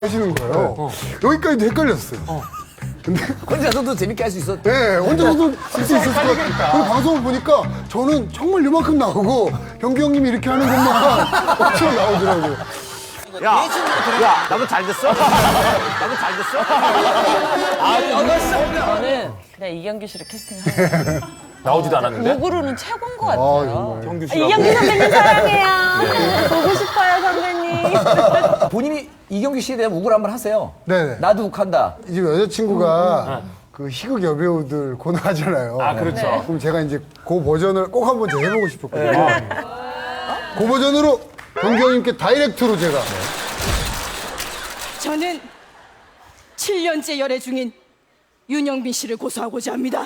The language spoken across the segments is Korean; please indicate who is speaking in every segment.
Speaker 1: 하시는 거예요. 여기까지도 헷갈렸어요. 근데
Speaker 2: 혼자서도 재밌게 할 수 있었.
Speaker 1: 네, 혼자서도 쓸 수 있을 것 같아요. 그리고 방송을 보니까 저는 정말 이만큼 나오고 병규 형님이 이렇게 하는 것만 엄청 나오더라고요.
Speaker 3: 야, 나도 잘 됐어? 나도 잘 됐어?
Speaker 4: 저는 그냥 이경규 씨를 캐스팅하고
Speaker 3: 나오지도 않았는데?
Speaker 4: 목으로는 최고인 것 같아요.
Speaker 3: 경규
Speaker 4: 아,
Speaker 3: 씨가.
Speaker 4: 이경규 선배님 사랑해요. 보고 싶어요 선배님.
Speaker 2: 본인이 이경규 씨에 대한 우굴 한번 하세요.
Speaker 1: 네네.
Speaker 2: 나도 욱한다.
Speaker 1: 이제 여자친구가 그 희극 여배우들 코너 하잖아요.
Speaker 3: 아, 그렇죠.
Speaker 4: 네.
Speaker 1: 그럼 제가 이제 그 버전을 꼭 한번 제가 해보고 싶었거든요. 그 버전으로 병규 형님께 다이렉트로 제가.
Speaker 5: 저는 7년째 열애 중인 윤영빈 씨를 고소하고자 합니다.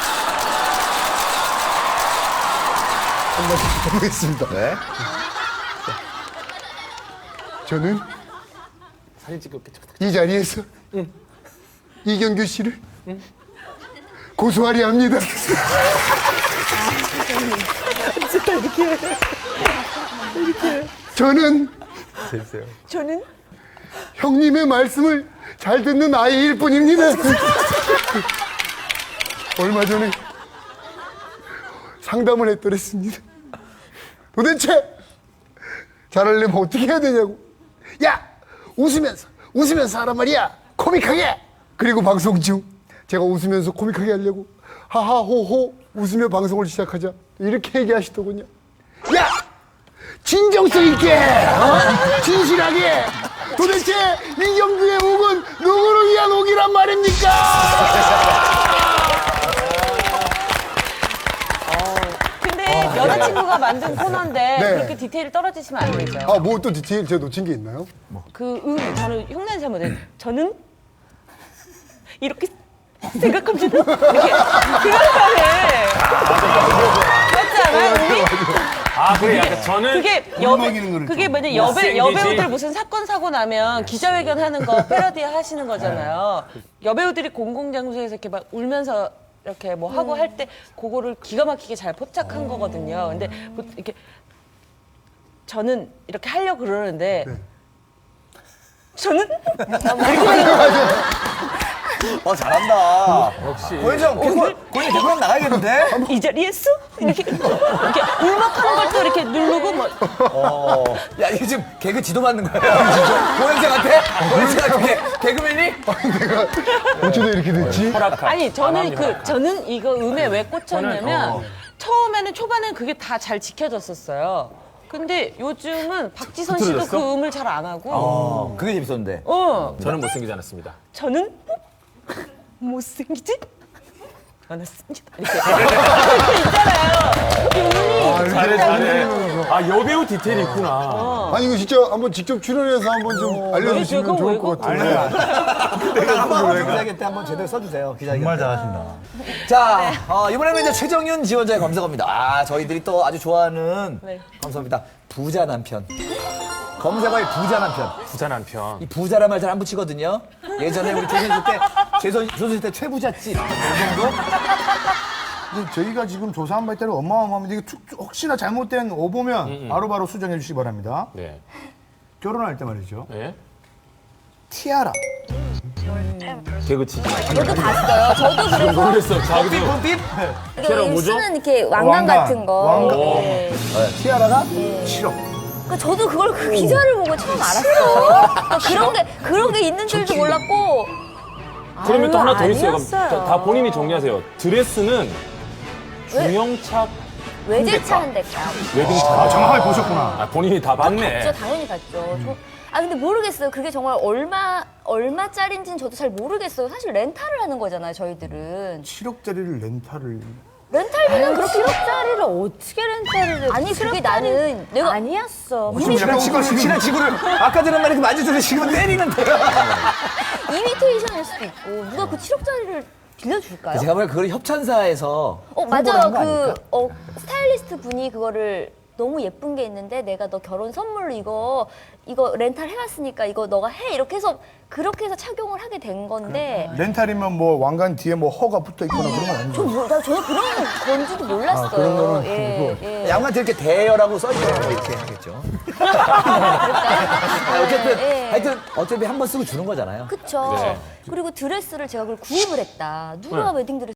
Speaker 1: 한번 해보겠습니다.
Speaker 2: 네.
Speaker 1: 저는
Speaker 3: 사진 찍을게.
Speaker 1: 이 자리에서 이경규 씨를 고소하려 합니다. 저는 형님의 말씀을 잘 듣는 아이일 뿐입니다. 얼마 전에 상담을 했더랬습니다. 도대체 잘하려면 어떻게 해야 되냐고. 야! 웃으면서 하란 말이야. 코믹하게! 그리고 방송 중 제가 웃으면서 코믹하게 하려고 하하호호 웃으며 방송을 시작하자 이렇게 얘기하시더군요. 야! 진정성 있게! 진실하게! 도대체 이경규의 옥은 누구를 위한 옥이란 말입니까?
Speaker 4: 근데 여자친구가 만든 코너인데
Speaker 1: 네.
Speaker 4: 그렇게 디테일이 떨어지시면 안 되죠.
Speaker 1: 아, 뭐 또 디테일 제가 놓친 게 있나요?
Speaker 4: 저는 흉내는 잘 못해요. 저는 이렇게 생각합니다. 이렇게 그렇다네. 맞지 않아요? 우리?
Speaker 3: 아, 그래. 약간 저는.
Speaker 4: 그게 뭐냐
Speaker 3: 못생기지.
Speaker 4: 여배우들 무슨 사건 사고 나면 기자회견 하는 거 패러디 하시는 거잖아요. 여배우들이 공공장소에서 이렇게 막 울면서 이렇게 뭐 하고 할 때 그거를 기가 막히게 잘 포착한 거거든요. 근데 이렇게 저는 이렇게 하려고 그러는데 저는
Speaker 2: 잘한다.
Speaker 3: 역시.
Speaker 2: 고현정, 고현정 개그맨 나가야겠는데?
Speaker 4: 이 자리에서 이렇게 울먹하는 걸 또 이렇게 누르고 뭐
Speaker 2: 야, 이거 지금 개그 지도 받는 거야. 진짜? 고현정한테? 고현정한테 개그맨이?
Speaker 1: 어쩌다 이렇게 됐지?
Speaker 4: 아니 저는 이거 음에 왜 꽂혔냐면 처음에는 초반엔 그게 다 잘 지켜졌었어요. 근데 요즘은 박지선 씨도
Speaker 3: 흐트러졌어?
Speaker 4: 그 음을 잘 안 하고
Speaker 2: 그게 재밌었는데.
Speaker 3: 저는 못생기지 않았습니다.
Speaker 4: 저는 못생기지 않았습니다. 이렇게 있잖아요.
Speaker 3: 잘해, 잘해. 아, 여배우 디테일이 있구나.
Speaker 1: 아니 이거 진짜 한번 직접 출연해서 한번 좀 알려주시면
Speaker 4: 그거
Speaker 1: 좋을
Speaker 4: 왜
Speaker 1: 것 같아요.
Speaker 2: 한번 기자회견 때 한번 제대로 써주세요. 기자회견
Speaker 6: 정말
Speaker 2: 때.
Speaker 6: 잘하신다.
Speaker 2: 자, 이번에는 이제 최정윤 지원자의 검색어입니다. 아, 저희들이 또 아주 좋아하는
Speaker 4: 네.
Speaker 2: 검색어입니다. 부자 남편. 검색어의 부자 남편.
Speaker 3: 부자 남편.
Speaker 2: 이 부자란 말 잘 안 붙이거든요. 예전에 우리 조선시대 때 최부잣집 이 정도?
Speaker 6: 근데 저희가 지금 조사한 바에 따르면 어마어마합니다. 이게 혹시나 잘못된 오보면 바로바로 수정해 주시기 바랍니다.
Speaker 3: 네.
Speaker 6: 결혼할 때 말이죠.
Speaker 3: 네.
Speaker 6: 티아라.
Speaker 3: 개그치지.
Speaker 7: 저도 봤어요. 저도 그래서
Speaker 3: 모르겠어. 자기도.
Speaker 2: 삐삐?
Speaker 3: 티아라 뭐죠?
Speaker 7: 쓰는 이렇게 왕관 같은 거.
Speaker 6: 왕관.
Speaker 7: 네.
Speaker 6: 티아라가 7억.
Speaker 7: 그러니까 저도 그걸 그 기사를 보고 처음 알았어요. 그러니까 그런 게 있는 줄도 몰랐고.
Speaker 3: 그러면 또 하나 더 있어요. 그럼
Speaker 7: 아니었어요.
Speaker 3: 다 본인이 정리하세요. 드레스는 중형차
Speaker 7: 외제차 한 대가.
Speaker 3: 웨딩차.
Speaker 6: 아, 정확하게 보셨구나.
Speaker 3: 아, 본인이 다 봤네.
Speaker 7: 저 당연히 봤죠. 근데 모르겠어요. 그게 정말 얼마짜리인지는 저도 잘 모르겠어요. 사실 렌탈을 하는 거잖아요, 저희들은.
Speaker 6: 7억짜리를 렌탈을.
Speaker 7: 렌탈비는 그렇게 7억짜리를 어떻게 렌탈을 해? 아니, 그게 나는 내가 아니었어.
Speaker 2: 친한 지구를 아까 들은 말이 만져주는 지금 때리는데.
Speaker 7: 이미테이션일 수도 있고 누가 그 7억짜리를 빌려줄까요?
Speaker 2: 제가 보기엔 그걸 협찬사에서
Speaker 7: 맞아요. 스타일리스트 분이 그거를 너무 예쁜 게 있는데 내가 너 결혼 선물로 이거 이거 렌탈 해왔으니까 이거 너가 해 이렇게 해서 그렇게 해서 착용을 하게 된 건데
Speaker 6: 렌탈이면 뭐 왕관 뒤에 뭐 허가 붙어 있거나 그런 건 아니죠?
Speaker 7: 저는 그런 건지도 몰랐어요.
Speaker 6: 그런 거는
Speaker 7: 예, 예.
Speaker 2: 양말 이렇게 대여라고 써있더라고 이렇게 하겠죠. 어쨌든
Speaker 7: 예.
Speaker 2: 하여튼 어차피 한 번 쓰고 주는 거잖아요.
Speaker 7: 그쵸. 그리고 드레스를 제가 그걸 구입을 했다. 누가 웨딩 드레스